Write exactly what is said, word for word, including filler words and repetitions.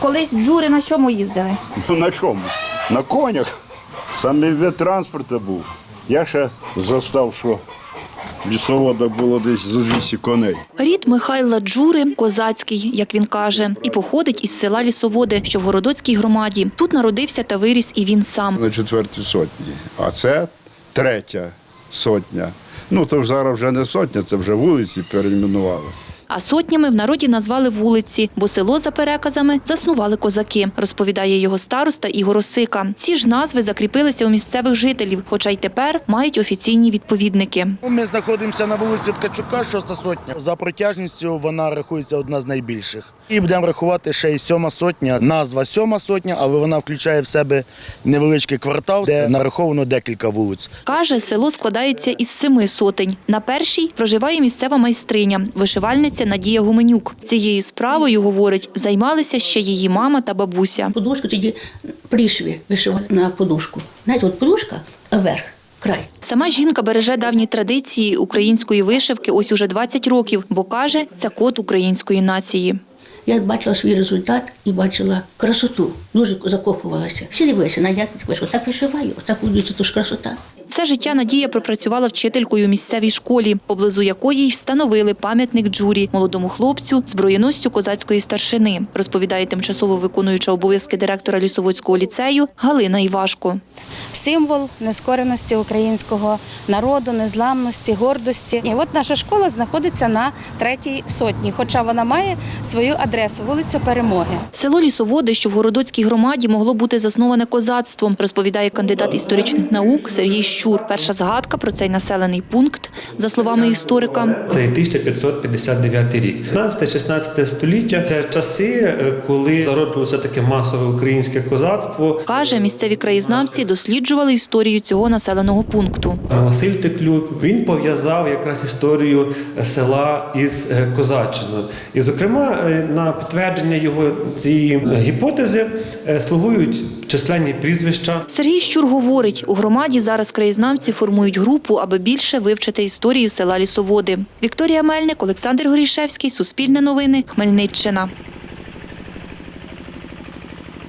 Колись в Джури на чому їздили? Ну на чому? На конях. Саме вид транспорту був. Я ще застав, що лісовода було десь зо двісті коней. Рід Михайла Джури – козацький, як він каже, і походить із села Лісоводи, що в Городоцькій громаді. Тут народився та виріс і він сам. На четвертій сотні. А це третя сотня. Ну, то зараз вже не сотня, це вже вулиці перейменували. А сотнями в народі назвали вулиці, бо село, за переказами, заснували козаки, розповідає його староста Ігор Осика. Ці ж назви закріпилися у місцевих жителів, хоча й тепер мають офіційні відповідники. Ми знаходимося на вулиці Ткачука, шоста сотня. За протяжністю вона рахується одна з найбільших. І будемо рахувати ще й сьома сотня. Назва сьома сотня, але вона включає в себе невеличкий квартал, де нараховано декілька вулиць. Каже, село складається із семи сотень. На першій проживає місцева майстриня, вишивальниця Надія Гуменюк. Цією справою, говорить, займалися ще її мама та бабуся. Подушку тоді пришві вишивали на подушку. Знаєте, от подушка, а верх, край. Сама жінка береже давні традиції української вишивки ось уже двадцять років, бо каже, це код української нації. Я бачила свій результат і бачила красоту. Дуже закохувалася. Всі дивилися, Надя, так вишиваю, так будується, то ж красота. Все життя Надія пропрацювала вчителькою у місцевій школі, поблизу якої й встановили пам'ятник Джурі, молодому хлопцю, зброєносцю козацької старшини, розповідає тимчасово виконуюча обов'язки директора Лісоводського ліцею Галина Івашко. Символ нескореності українського народу, незламності, гордості. І от наша школа знаходиться на третій сотні, хоча вона має свою адресу – вулиця Перемоги. Село Лісоводи, що в Городоцькій громаді, могло бути засноване козацтвом, розповідає кандидат історичних наук Сергій Щур. Перша згадка про цей населений пункт, за словами історика. Це тисяча п'ятсот п'ятдесят дев'ятий рік. п'ятнадцяте-шістнадцяте століття – це часи, коли зароджувалося таке масове українське козацтво. Каже, місцеві краєзнавці досліджували історію цього населеного пункту. Василь Теклюк, він пов'язав якраз історію села із козаччиною. І, зокрема, на підтвердження його цієї гіпотези слугують численні прізвища. Сергій Щур говорить, у громаді зараз краєзнавці формують групу, аби більше вивчити історію села Лісоводи. Вікторія Мельник, Олександр Горішевський, Суспільне новини, Хмельниччина.